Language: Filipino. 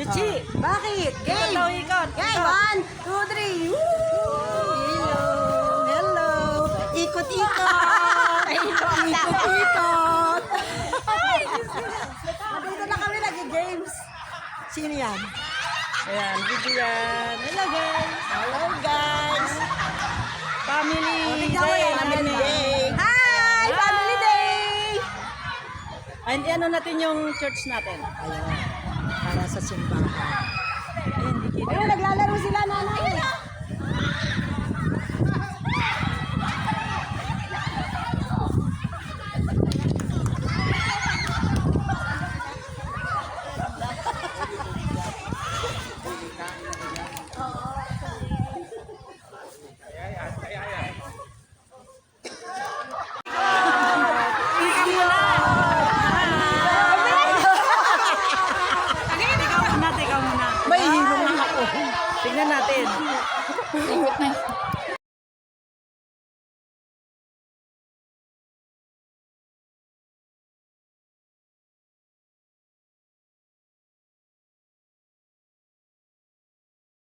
Chichi! Bakit? Game! Ikaw, ikot! Game! 1, 2, 3! Hello! Hello! Ikot-ikot! Ikot-ikot! Dito na kami nag-games. Sino yan? Ayan, video yan. Hello guys! Hello guys! Family Tignan mo day yan, namin family eh. day! Hi! Family day! And ano natin yung church natin? Ayun. Para sa simbahan. Ayun, di kita. Ayun, naglalaro sila, nanay. Ikaw muna. May hirong na ako. Tignan natin. Ikot na.